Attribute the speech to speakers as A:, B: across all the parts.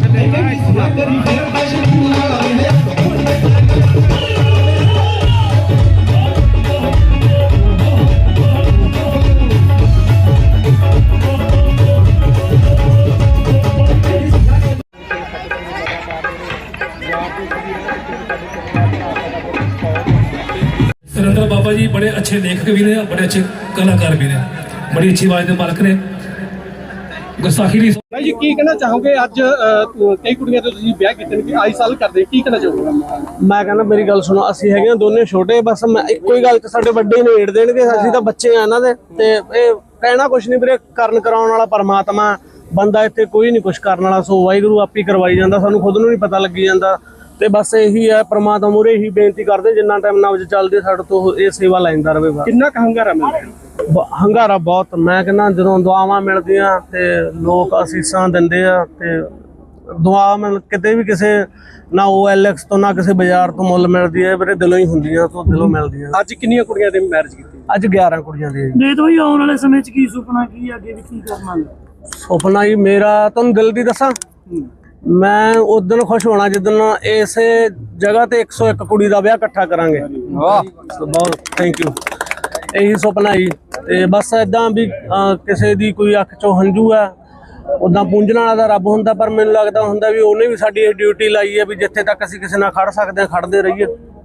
A: सुरेंद्र बाबा जी बड़े अच्छे लेखक भी ने, बड़े अच्छे कलाकार भी ने, बड़ी अच्छी आवाज के मालक ने। गुस्ताखी नहीं
B: भाई जी की कहना चाहोगे अज कई कुड़ियां तो तुसीं ब्याह कीते ने आई साल करदे की कहना चाहोगे?
C: मैं कहना मेरी गल सुनो, ਅਸੀਂ ਹੈਗੇ ਦੋਨੇ ਛੋਟੇ, ਬਸ ਇੱਕੋ ਹੀ ਗੱਲ ਤੇ ਸਾਡੇ ਵੱਡੇ ਨਿਬੇੜ ਦੇਣਗੇ, ਅਸੀਂ ਤਾਂ ਬੱਚੇ ਆ ਇਹਨਾਂ ਦੇ। ਤੇ ਇਹ ਕਹਿਣਾ ਕੁਛ ਨਹੀਂ ਵੀਰੇ, ਕਰਨ ਕਰਾਉਣ ਵਾਲਾ ਪਰਮਾਤਮਾ, ਬੰਦਾ ਇੱਥੇ ਕੋਈ ਨਹੀਂ ਕੁਛ ਕਰਨ ਵਾਲਾ, ਸੋ ਵਾਹਿਗੁਰੂ ਆਪੇ ਕਰਵਾਈ ਜਾਂਦਾ, ਸਾਨੂੰ ਖੁਦ ਨੂੰ ਨਹੀਂ ਪਤਾ ਲੱਗੀ ਜਾਂਦਾ। ਤੇ ਬਸ ਇਹੀ ਹੈ, ਪਰਮਾਤਮਾ ਮੂਹਰੇ ਇਹੀ ਬੇਨਤੀ ਕਰਦੇ ਜਿੰਨਾ ਟਾਈਮ ਨਬਜ਼ ਚੱਲਦੀ ਸਾਡੇ ਤੋਂ ਇਹ ਸੇਵਾ ਲੈਂਦਾ ਰਹੇ।
B: ਕਿੰਨਾ ਕੁ ਹੰਗਾਰਾ ਮਿਲਦਾ?
C: ਹੰਗਾਰਾ ਬਹੁਤ, ਮੈਂ ਕਹਿੰਦਾ ਜਦੋਂ ਦੁਆਵਾਂ ਮਿਲਦੀਆਂ ਤੇ ਲੋਕ ਅਸੀਸਾਂ ਦਿੰਦੇ ਆ, ਤੇ ਦੁਆ ਮਿਲ ਕਿਤੇ ਵੀ ਕਿਸੇ ਨਾ OLX ਤੋਂ ਨਾ ਕਿਸੇ ਬਾਜ਼ਾਰ ਤੋਂ ਮੁੱਲ ਮਿਲਦੀ ਹੈ ਵੀਰੇ, ਦਿਲੋਂ ਹੀ ਹੁੰਦੀਆਂ, ਤੋਂ ਦਿਲੋਂ ਮਿਲਦੀਆਂ।
B: ਅੱਜ ਕਿੰਨੀਆਂ ਕੁੜੀਆਂ ਦੇ ਮੈਰਿਜ ਕੀਤੀ?
C: ਅੱਜ 11 ਕੁੜੀਆਂ ਦੀ।
D: ਦੇ ਦੋ ਜੀ ਆਉਣ ਵਾਲੇ ਸਮੇਂ 'ਚ ਕੀ ਸੁਪਨਾ, ਕੀ ਅੱਗੇ ਵੀ ਕੀ ਕਰਨਾ?
C: ਸੁਪਨਾ ਜੀ ਮੇਰਾ ਤੁਹਾਨੂੰ ਦਿਲ ਦੀ ਦੱਸਾਂ, ਮੈਂ ਉਸ ਦਿਨ ਖੁਸ਼ ਹੋਣਾ ਜਿੱਦਣ ਇਸੇ ਜਗ੍ਹਾ ਤੇ 101 ਕੁੜੀ ਦਾ ਵਿਆਹ ਇਕੱਠਾ ਕਰਾਂਗੇ। ਵਾਹ ਬਹੁਤ ਥੈਂਕ ਯੂ। ਇਹੀ ਸੁਪਨਾ ਜੀ। ਤੇ ਬਸ ਏਦਾਂ ਵੀ ਕਿਸੇ ਦੀ ਕੋਈ ਅੱਖ ਚੋਂ ਹੰਝੂ ਆ, ਉਦਾਂ ਪੂੰਝਣ ਵਾਲਾ ਦਾ ਰੱਬ ਹੁੰਦਾ, ਪਰ ਮੈਨੂੰ ਲੱਗਦਾ ਹੁੰਦਾ ਵੀ ਉਹਨੇ ਵੀ ਸਾਡੀ ਇਹ ਡਿਊਟੀ ਲਾਈ ਹੈ ਵੀ ਜਿੱਥੇ ਤੱਕ ਅਸੀਂ ਕਿਸੇ ਨਾਲ ਖੜ ਸਕਦੇ ਹਾਂ ਖੜਦੇ ਰਹੀਏ।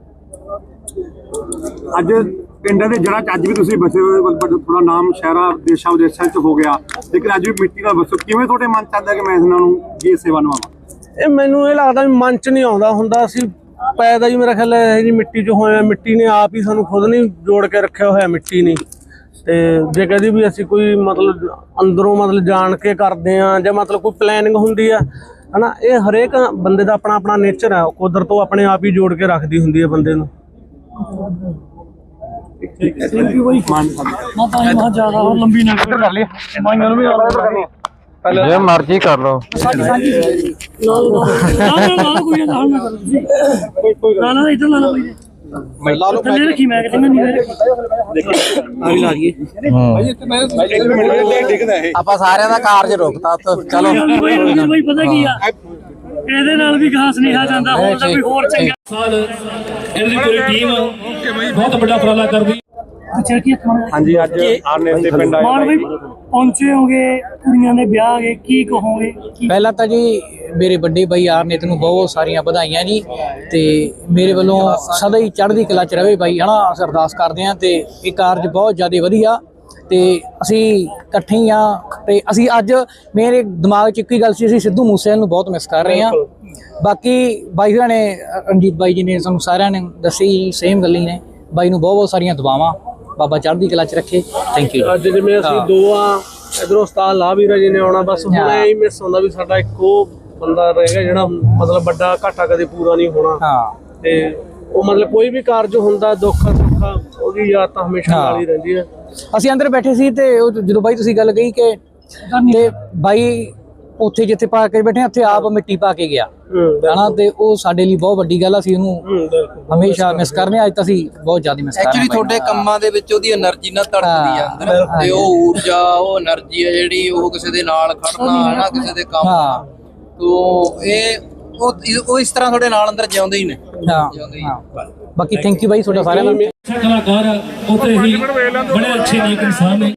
E: ਅੱਜ ਪਿੰਡਾਂ ਦੇ ਜੜ੍ਹਾਂ 'ਚ ਅੱਜ ਵੀ ਤੁਸੀਂ ਬਸੇ ਹੋਏ, ਥੋੜਾ ਨਾਮ ਸ਼ਹਿਰਾਂ ਦੇਸ਼ਾਂ ਵਿਦੇਸ਼ਾਂ 'ਚ ਹੋ ਗਿਆ, ਲੇਕਿਨ ਅੱਜ ਵੀ ਮਿੱਟੀ ਨਾਲ ਬਸੋ, ਕਿਵੇਂ ਤੁਹਾਡੇ ਮਨ 'ਚ ਆਉਂਦਾ ਕਿ ਮੈਂ ਇਹਨਾਂ ਨੂੰ ਇਹ ਸੇਵਾ ਨਿਭਾਵਾਂ?
C: ਇਹ ਮੈਨੂੰ ਇਹ ਲੱਗਦਾ ਵੀ ਮਨ 'ਚ ਨਹੀਂ ਆਉਂਦਾ ਹੁੰਦਾ, ਅਸੀਂ ਪੈਦਾ ਹੀ ਮੇਰਾ ਖਿਆਲ ਇਹ ਜੀ ਮਿੱਟੀ 'ਚ ਹੋਇਆ, ਮਿੱਟੀ ਨੇ ਆਪ ਹੀ ਸਾਨੂੰ ਖੁਦ ਨਹੀਂ ਜੋੜ ਕੇ ਰੱਖਿਆ ਹੋਇਆ, ਮਿੱਟੀ ਨੇ। ਤੇ ਜੇ ਕਹਦੀ ਵੀ ਅਸੀਂ ਕੋਈ ਮਤਲਬ ਅੰਦਰੋਂ ਮਤਲਬ ਜਾਣ ਕੇ ਕਰਦੇ ਆ ਜਾਂ ਮਤਲਬ ਕੋਈ ਪਲੈਨਿੰਗ ਹੁੰਦੀ ਆ ਹਨਾ, ਇਹ ਹਰੇਕ ਬੰਦੇ ਦਾ ਆਪਣਾ ਆਪਣਾ ਨੇਚਰ ਆ, ਕੁਦਰਤ ਤੋਂ ਆਪਣੇ ਆਪ ਹੀ ਜੋੜ ਕੇ ਰੱਖਦੀ ਹੁੰਦੀ ਹੈ ਬੰਦੇ ਨੂੰ।
D: ਥੈਂਕ ਯੂ ਬਾਈ। ਮਾਤਾ ਜੀ ਬਹੁਤ ਜ਼ਿਆਦਾ ਲੰਬੀ ਨਾ ਕਰ ਲਈ, ਮਾਈਆਂ ਨੂੰ ਵੀ
F: ਜੇ ਮਰਜ਼ੀ ਕਰ ਲਓ।
D: ਨਾ ਕੋਈ ਨਾ ਹਾਲ ਨਾ ਕਰੋ ਤੁਸੀਂ, ਨਾ ਇੱਧਰ ਲਾ ਲਓ ਬਾਈ, ਲਾ ਲਓ ਥੱਲੇ ਰੱਖੀ, ਮੈਂ ਕਹਿੰਦਾ ਨਹੀਂ ਆ ਵੀ ਲਾ ਦਈਏ।
F: ਆਪਾਂ ਸਾਰਿਆਂ ਦਾ ਕਾਰਜ ਰੋਕਤਾ, ਚਲੋ
D: ਬਾਈ ਪਤਾ ਕੀ ਆ, ਇਹਦੇ ਨਾਲ ਵੀ ਘਾਸ ਨਹੀਂ ਆ ਜਾਂਦਾ, ਹੋਰ ਤਾਂ ਕੋਈ ਹੋਰ ਚੰਗਾ
A: ਸਾਲ ਇਹਦੀ ਪੂਰੀ ਟੀਮ ਬਹੁਤ ਵੱਡਾ ਉਪਰਾਲਾ ਕਰਦੀ।
D: ਅੱਛਾ ਕੀ
E: ਹਾਂਜੀ ਅੱਜ ਆਰਨੇਸ ਦੇ ਪਿੰਡ ਆਏ
D: ਮਾਨ ਬਾਈ ਪਹੁੰਚੇ ਹੋਗੇ, ਕੁੜੀਆਂ ਦੇ ਵਿਆਹ ਗਏ, ਕੀ ਕਹੋਗੇ?
G: ਪਹਿਲਾਂ ਤਾਂ ਜੀ ਮੇਰੇ ਵੱਡੇ ਬਾਈ ਆਰਨੇਤ ਨੂੰ ਬਹੁਤ ਸਾਰੀਆਂ ਵਧਾਈਆਂ ਜੀ, ਤੇ ਮੇਰੇ ਵੱਲੋਂ ਸਦਾ ਹੀ ਚੜ੍ਹਦੀ ਕਲਾ 'ਚ ਰਵੇ ਬਾਈ, ਹਨਾ ਅਸੀਂ ਅਰਦਾਸ ਕਰਦੇ ਹਾਂ। ਤੇ ਇਹ ਕਾਰਜ ਬਹੁਤ ਜ਼ਿਆਦਾ ਵਧੀਆ, ਤੇ ਅਸੀਂ ਇਕੱਠੇ ਹੀ ਆ। ਤੇ ਅਸੀਂ ਅੱਜ ਮੇਰੇ ਦਿਮਾਗ 'ਚ ਇੱਕ ਹੀ ਗੱਲ ਸੀ, ਅਸੀਂ ਸਿੱਧੂ ਮੂਸੇਵਾਲੇ ਨੂੰ ਬਹੁਤ ਮਿਸ ਕਰ ਰਹੇ ਹਾਂ। ਬਾਕੀ ਬਾਈ ਹੋਰਾਂ ਨੇ, ਰਣਜੀਤ ਬਾਈ ਜੀ ਨੇ ਸਾਨੂੰ ਸਾਰਿਆਂ ਨੇ ਦੱਸੀ ਸੇਮ ਗੱਲ ਹੀ ਨੇ, ਬਾਈ ਨੂੰ ਬਹੁਤ ਬਹੁਤ ਸਾਰੀਆਂ ਦੁਆਵਾਂ, ਬਾਬਾ ਚੜ੍ਹਦੀ ਕਲਾ 'ਚ ਰੱਖੇ। Thank you.
C: ਅੱਜ ਜਿਵੇਂ ਅਸੀਂ ਦੋ ਆ, ਇਧਰੋਂ ਉਸਤਾਦ ਲਾਵੀਰਾ ਜੀ ਨੇ ਆਉਣਾ, ਬਸ ਹੁਣ ਇਹ ਹੀ ਮਿਸ ਹੁੰਦਾ ਵੀ ਸਾਡਾ ਇੱਕੋ ਬੰਦਾ ਰਹੇਗਾ ਜਿਹੜਾ ਮਤਲਬ ਵੱਡਾ ਘਾਟਾ ਕਦੇ ਪੂਰਾ ਨਹੀਂ ਹੋਣਾ।
G: ਹਾਂ
C: ਤੇ ਉਹ ਮਤਲਬ ਕੋਈ ਵੀ ਕਾਰਜ ਹੁੰਦਾ ਦੁੱਖ ਸੁੱਖ ਉਹਦੀ ਯਾਦ ਤਾਂ ਹਮੇਸ਼ਾ ਨਾਲ ਹੀ ਰਹਿੰਦੀ ਹੈ।
G: ਅਸੀਂ ਅੰਦਰ ਬੈਠੇ ਸੀ ਤੇ ਉਹ ਜਦੋਂ ਬਾਈ ਤੁਸੀਂ ਗੱਲ ਕਹੀ ਕਿ ਤੇ ਬਾਈ ਉੱਥੇ ਜਿੱਥੇ ਪਾ ਕੇ ਬੈਠੇ ਉੱਥੇ ਆਪ ਮਿੱਟੀ ਪਾ ਕੇ ਗਿਆ ਹਨਾ, ਤੇ ਉਹ ਸਾਡੇ ਲਈ ਬਹੁਤ ਵੱਡੀ ਗੱਲ ਆ, ਅਸੀਂ ਉਹਨੂੰ ਹਮੇਸ਼ਾ ਮਿਸ ਕਰਨੇ। ਅੱਜ ਤਾਂ ਅਸੀਂ ਬਹੁਤ ਜ਼ਿਆਦਾ ਮਿਸ ਕਰ ਰਹੇ ਹਾਂ।
F: ਐਕਚੁਅਲੀ ਤੁਹਾਡੇ ਕੰਮਾਂ ਦੇ ਵਿੱਚ ਉਹਦੀ એનર્ਜੀ ਨਾਲ ਧੜਕਦੀ ਆ ਅੰਦਰ, ਤੇ ਉਹ ਊਰਜਾ, ਉਹ એનર્ਜੀ ਆ ਜਿਹੜੀ, ਉਹ ਕਿਸੇ ਦੇ ਨਾਲ ਖੜਨਾ ਹਨਾ, ਕਿਸੇ ਦੇ ਕੰਮ, ਤੋਂ ਇਹ ਉਹ ਇਸ ਤਰ੍ਹਾਂ ਤੁਹਾਡੇ ਨਾਲ ਅੰਦਰ ਜਿਉਂਦੇ ਹੀ ਨੇ।
G: ਬਾਕੀ ਥੈਂਕ ਯੂ ਬਾਈ ਤੁਹਾਡਾ ਸਾਰਿਆਂ ਦਾ।
A: ਕਲਾਕਾਰ ਉੱਥੇ ਹੀ ਬੜੇ ਅੱਛੇ ਨੇਕ ਇਨਸਾਨ ਨੇ।